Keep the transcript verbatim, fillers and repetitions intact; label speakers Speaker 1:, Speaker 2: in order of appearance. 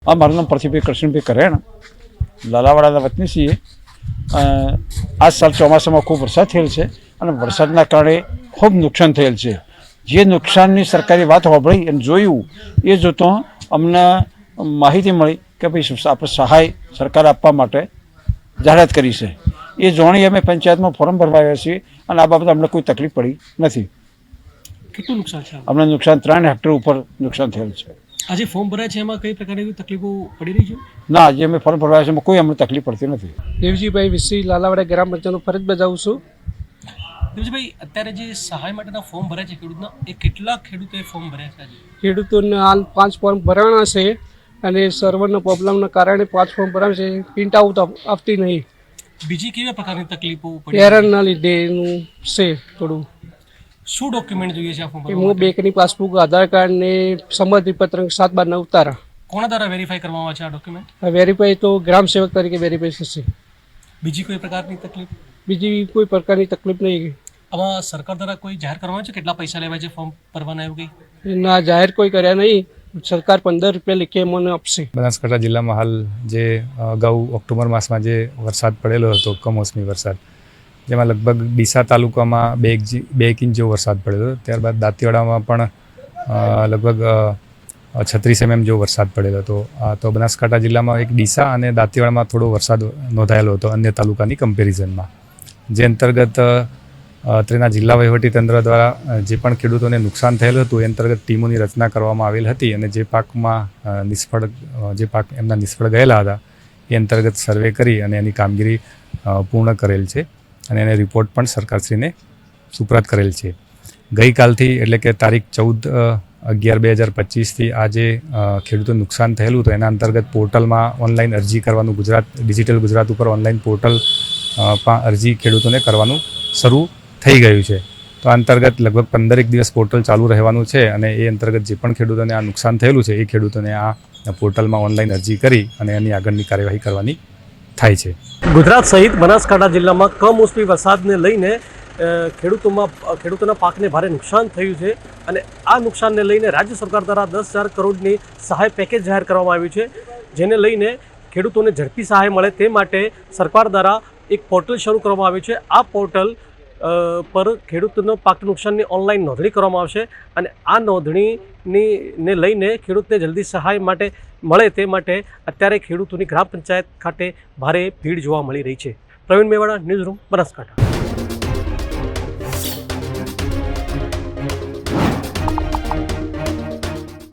Speaker 1: આ મારું નામ પ્રતિભાઈ કૃષ્ણભાઈ કરેણ, લાલાવાડાના વતની છીએ। આ સાલ ચોમાસામાં ખૂબ વરસાદ થયેલ છે અને વરસાદના કારણે ખૂબ નુકસાન થયેલ છે। જે નુકસાનની સરકારી વાત સાંભળી અને જોયું એ જોતો અમને માહિતી મળી કે ભાઈ આપણે સહાય સરકાર આપવા માટે જાહેરાત કરી છે। એ જાણી અમે પંચાયતમાં ફોર્મ ભરવા આવ્યા છીએ અને આ બાબતે અમને કોઈ તકલીફ પડી નથી।
Speaker 2: કેટલું નુકસાન છે?
Speaker 1: અમને નુકસાન ત્રણ હેક્ટર ઉપર નુકસાન થયેલ છે।
Speaker 2: આજે ફોર્મ ભરાય છે એમાં કઈ પ્રકારની તકલીફો પડી રહી છે?
Speaker 1: ના, આજે અમે ફોર્મ ભરવા આવ્યા છે કોઈ અમને તકલીફ પડતી નથી।
Speaker 3: દેવજીભાઈ વિસી, લાલાવાડા ગ્રામ પંચાયતનો ફરજ બજાવું છું।
Speaker 2: દેવજીભાઈ, અત્યારે જે સહાય માટેના ફોર્મ ભરાય છે ખેડૂતના, એ કેટલા ખેડૂતોએ ફોર્મ ભર્યા છે? આજે
Speaker 3: ખેડૂતોને હાલ પાંચ ફોર્મ ભરાણા છે અને સર્વરના પ્રોબ્લેમના કારણે પાંચ ફોર્મ ભરાણ છે, પ્રિન્ટ આઉટ આપતી નહીં।
Speaker 2: બીજી કેવા પ્રકારની તકલીફો પડી?
Speaker 3: એરરના લીધે એનું છે થોડું।
Speaker 2: શું ડોક્યુમેન્ટ જોઈએ છે આ ફોર્મ
Speaker 3: કે
Speaker 2: ભરવા
Speaker 3: હું
Speaker 2: માટે?
Speaker 3: બેંકની પાસબુક, આધાર કાર્ડ ને સંમતિ પત્ર સાત બાર નવ તારા
Speaker 2: કોના દ્વારા વેરીફાઈ કરવામાં આવે છે આ ડોક્યુમેન્ટ?
Speaker 3: વેરીફાઈ તો ગ્રામ સેવક તરીકે વેરીફાઈ થશે।
Speaker 2: બીજી કોઈ પ્રકારની તકલીફ?
Speaker 3: બીજી કોઈ પ્રકારની તકલીફ નહીં।
Speaker 2: આમાં સરકાર દ્વારા કોઈ જાહેર કરવામાં આવે છે કેટલા પૈસા લેવાય છે ફોર્મ ભરવાના, એવું કંઈ?
Speaker 3: ના, જાહેર કોઈ કર્યા નહીં। સરકાર પંદર રૂપિયા લેખે મને આપશે।
Speaker 4: બનાસકાંઠા જિલ્લામાં હાલ જે અગાઉ ઓક્ટોબર માસમાં જે વરસાદ પડેલો હતો, કમોસમી વરસાદ, જેમાં લગભગ ડીસા તાલુકામાં બે એક બે એક ઇંચ જેવો વરસાદ પડ્યો હતો। ત્યારબાદ દાંતીવાડામાં પણ લગભગ છત્રીસ એમએમ જેવો વરસાદ પડેલો હતો। તો બનાસકાંઠા જિલ્લામાં એક ડીસા અને દાંતીવાડામાં થોડો વરસાદ નોંધાયેલો હતો અન્ય તાલુકાની કમ્પેરિઝનમાં, જે અંતર્ગત તેના જિલ્લા વહીવટીતંત્ર દ્વારા જે પણ ખેડૂતોને નુકસાન થયેલું હતું એ અંતર્ગત ટીમોની રચના કરવામાં આવેલ હતી અને જે પાકમાં નિષ્ફળ જે પાક એમના નિષ્ફળ ગયેલા હતા એ અંતર્ગત સર્વે કરી અને એની કામગીરી પૂર્ણ કરેલ છે અને એને રિપોર્ટ પણ સરકારશ્રીને સુપ્રત કરેલ છે। ગઈકાલથી એટલે કે તારીખ ચૌદ અગિયાર બે હજાર પચીસથી આ જે ખેડૂતોને નુકસાન થયેલું હતું એના અંતર્ગત પોર્ટલમાં ઓનલાઈન અરજી કરવાનું, ગુજરાત ડિજિટલ ગુજરાત ઉપર ઓનલાઈન પોર્ટલ અરજી ખેડૂતોને કરવાનું શરૂ થઈ ગયું છે। તો આ અંતર્ગત લગભગ પંદરેક દિવસ પોર્ટલ ચાલુ રહેવાનું છે અને એ અંતર્ગત જે પણ ખેડૂતોને આ નુકસાન થયેલું છે એ ખેડૂતોને આ પોર્ટલમાં ઓનલાઈન અરજી કરી અને એની આગળની કાર્યવાહી કરવાની થાય છે।
Speaker 2: ગુજરાત સહિત બનાસકાંઠા જિલ્લામાં કમોસમી વરસાદને લઈને ખેડૂતોમાં ખેડૂતોના પાકને ભારે નુકસાન થયું છે અને આ નુકસાનને લઈને રાજ્ય સરકાર દ્વારા દસ હજાર કરોડની સહાય પેકેજ જાહેર કરવામાં આવ્યું છે, જેને લઈને ખેડૂતોને ઝડપી સહાય મળે તે માટે સરકાર દ્વારા એક પોર્ટલ શરૂ કરવામાં આવ્યું છે। આ પોર્ટલ પર ખેડૂતોનો પાક નુકસાનની ઓનલાઈન નોંધણી કરવામાં આવશે અને આ નોંધણીની ને લઈને ખેડૂતને જલ્દી સહાય માટે મળે તે માટે અત્યારે ખેડૂતોની ગ્રામ પંચાયત ખાતે ભારે ભીડ જોવા મળી રહી છે। Pravin Mewada, news room, Banaskantha.